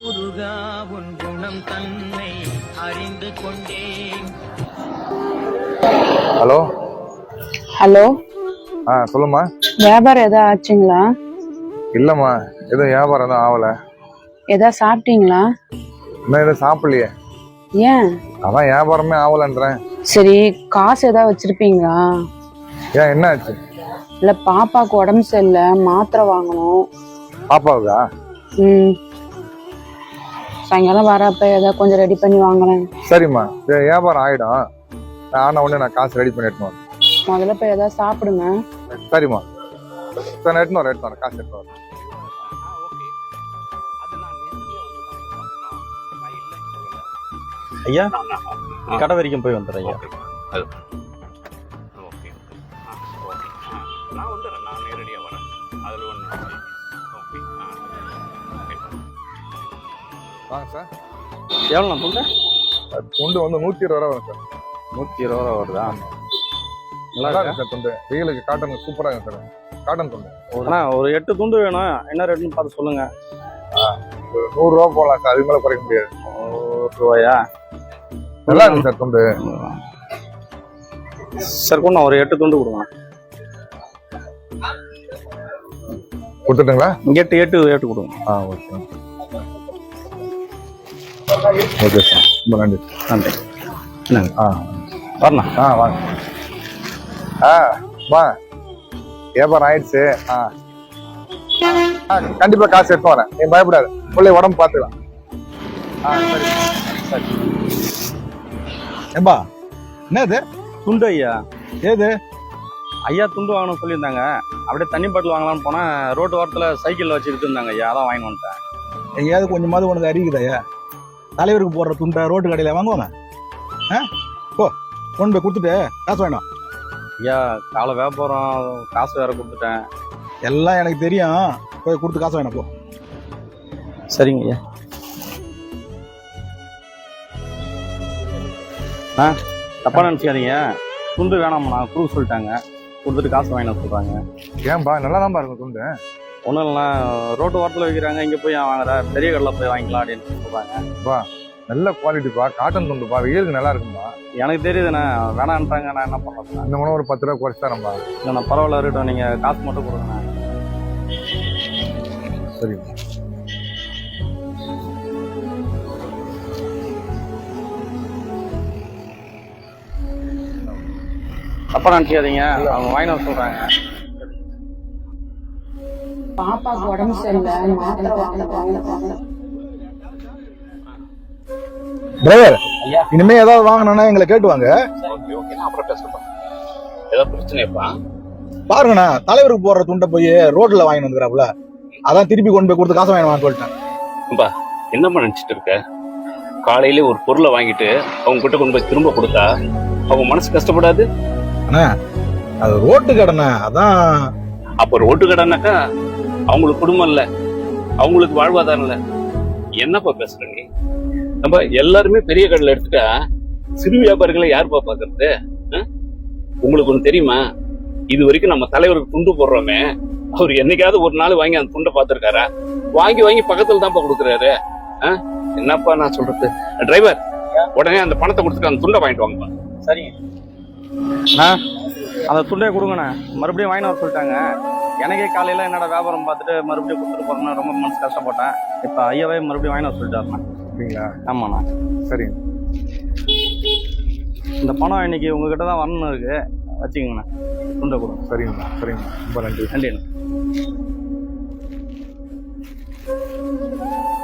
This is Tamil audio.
முருகா உன் குணம் தன்னை அறிந்து கொண்டேன். ஹலோ ஹலோ, சொல்லுமா. வியாபாரம் ஏதாவது ஆச்சுங்களா? இல்லம்மா, எதுவும் வியாபாரம் எதுவும் ஆகல. ஏதாவது சாப்பிட்டீங்களா? இன்னும் எதுவும் சாப்பிடலையே. ஏன்? அதான் வியாபாரமே ஆகலன்றேன். சரி, காசு ஏதாவது வச்சிருப்பீங்களா? ஏன், என்ன ஆச்சு? இல்ல, பாப்பாக்கு உடம்பு சரியில்லை, மாத்திரை வாங்கணும். பாப்பாவுக்கா? சாயங்காலம் வரப்ப ஏதாவது கொஞ்சம் ரெடி பண்ணி வாங்கலாம். சரிம்மா, வியாபாரம் ஆயிடும். ஆனா உடனே நான் காசு ரெடி பண்ணி எடுத்துன்னு வரேன். முதல்ல போய் ஏதாவது சாப்பிடுங்க. சரிம்மா, சரி, எடுத்துன்னு வரேன், காசு எடுத்துன்னு வரேன். ஐயா, கடை வரைக்கும் போய் வந்துடுறேன் ஐயா. நான் வந்துடுறேன், நான் நேரடியாக வரேன். அதில் ஒன்று. ஓகே. வாங்க சார். எவ்வளோ நான் சொல்கிறேன்? துண்டு வந்து 120 ரூபா வரும் சார். 120 ரூபா வருதா? நல்லா இருக்கு சார் துண்டு. வெயிலுக்கு காட்டன் சூப்பராக இருக்கும் சார். காட்டன் துண்டு. அண்ணா, ஒரு 8 துண்டு வேணும். என்ன ரேட்டுன்னு பார்த்து சொல்லுங்க. 100 ரூபா போகலாம் சார், அதுக்கு மேலே குறைக்க முடியாது. 100 ரூபாயா? நல்லா இருக்கு சார் துண்டு. சார் கொண்டு ஒரு 8 துண்டு கொடுங்க. கொடுத்துட்டுங்களா? 8 கொடுங்க. ஓகே ஓகே சார், ரொம்ப நன்றி. நன்றி. என்னங்க? வரணும். வாங்க. வா, வியாபாரம் ஆயிடுச்சு. கண்டிப்பா காசு எடுத்து வரேன், நீ பயப்படாது. பிள்ளை உடம்பு பார்த்துக்கலாம். சரி சரி. ஏம்பா, என்னது துண்டு ஐயா? ஏது ஐயா துண்டு வாங்கணும்னு சொல்லியிருந்தாங்க. அப்படியே தண்ணி பாட்டில் வாங்கலாம்னு போனால் ரோட்டு வாரத்தில் சைக்கிளில் வச்சுக்கிட்டு இருந்தாங்க ஐயா, அதான் வாங்கி வந்துட்டேன். எங்கேயாவது கொஞ்சமாவது உனக்கு அறிவிக்குதாயா? தலைவருக்கு போடுற துண்டை ரோட்டு கடையில் வாங்குவாங்க. போ, கொண்டு போய் கொடுத்துட்டு காசு வேணும். ஐயா, காலை வியாபாரம், காசு வேற கொடுத்துட்டேன். எல்லாம் எனக்கு தெரியும், போய் கொடுத்து காசு வேணும். போ. சரிங்க ஐயா. தப்பா நினச்சிக்காதீங்க, துண்டு வேணாம்ண்ணா, கொடுக்க சொல்லிட்டாங்க. கொடுத்துட்டு காசு வாங்கின சொல்கிறாங்க. ஏன்பா, நல்லா தான் இருக்கும் துண்டு. ஒன்றும் இல்லைண்ணா, ரோட்டு வாரத்தில் வைக்கிறாங்க, இங்கே போய் வாங்குற பெரிய கடையில் போய் வாங்கிக்கலாம் அப்படின்னு சொல்கிறாங்க. நல்ல குவாலிட்டிப்பா, காட்டன் துண்டுப்பா, வெயிலுக்கு நல்லா இருக்கும்பா. எனக்கு தெரியுதுண்ணா, வேணான்ட்டாங்க. நான் என்ன பண்ணுறேன்? இந்த மூணு ஒரு 10 ரூபா குறைச்சி தரேன்பா. இல்லைண்ணா, பரவாயில்ல இருக்கட்டும், நீங்கள் காசு மட்டும் கொடுங்கண்ணா. சரி. தப்பா நினச்சிக்காதீங்க, அவங்க வாங்கி வர சொல்கிறாங்க. பாப்பாக்கு உடம்பு சரியில்லை, மாத்திரை வாங்கணும். டிரைவர், இனிமே ஏதாவது வாங்கினா எங்களை கேட்டுவாங்க. ஓகே, நான் அப்புறம் பேசுறேன். ஏதாவது பிரச்சனைப்பா? பாருங்கண்ணா, தலைவருக்கு போடுற துண்டை போய் ரோட்ல வாங்கி வந்துக்கிறாப்புல, அதான் திருப்பி கொண்டு போய் கொடுத்து காசு வாங்கினு சொல்லிட்டேன். என்னம்மா நினைச்சிட்டு இருக்க? காலையிலே ஒரு பொருளை வாங்கிட்டு அவங்க கிட்ட கொண்டு போய் திரும்ப கொடுத்தா அவங்க மனசு கஷ்டப்படாது? அண்ணா, அது ரோட்டு கடைண்ணா, அதான். அப்ப ரோட்டு கடைனாக்கா அவங்களுக்கு குடும்பம் இல்ல, அவங்களுக்கு வாழ்வாதாரம் இல்ல. என்னப்பா பேசுற நீ? நம்ம எல்லாருமே பெரிய கடையில எடுத்துட்டா சிறு வியாபாரிகளை யாருப்பா பாக்குறது? உங்களுக்கு ஒண்ணு தெரியுமா? இது வரைக்கும் நம்ம தலைவருக்கு துண்டு போடுறோமே, அவர் என்னைக்காவது ஒரு நாள் வாங்கி அந்த துண்டை பார்த்திருக்காரா? வாங்கி வாங்கி பக்கத்துல தான்ப்பா கொடுக்குறாரு. என்னப்பா நான் சொல்றது? டிரைவர், உடனே அந்த பணத்தை கொடுத்துட்டு அந்த துண்டை வாங்கிட்டு வாங்கப்பா. சரிங்க அந்த துண்டே கொடுங்கண்ணா. மறுபடியும் வாங்கி வர சொல்லிட்டாங்க. எனக்கே காலையில என்னோட வியாபாரம் பார்த்துட்டு மறுபடியும் கொடுத்துட்டு போறேன்னு ரொம்ப மனசு கஷ்டப்பட்டேன். இப்ப ஐயாவே மறுபடியும் வாங்கி வர சொல்லிட்டாருண்ணா. அப்படிங்களா? ஆமாண்ணா. சரி, இந்த பணம் இன்னைக்கு உங்ககிட்ட தான் வரணும் இருக்கு, வச்சுக்கோங்கண்ணா. துண்டை கொடுங்க. சரிங்கண்ணா. சரிங்கண்ணா, ரொம்ப நன்றி. நன்றிண்ணா.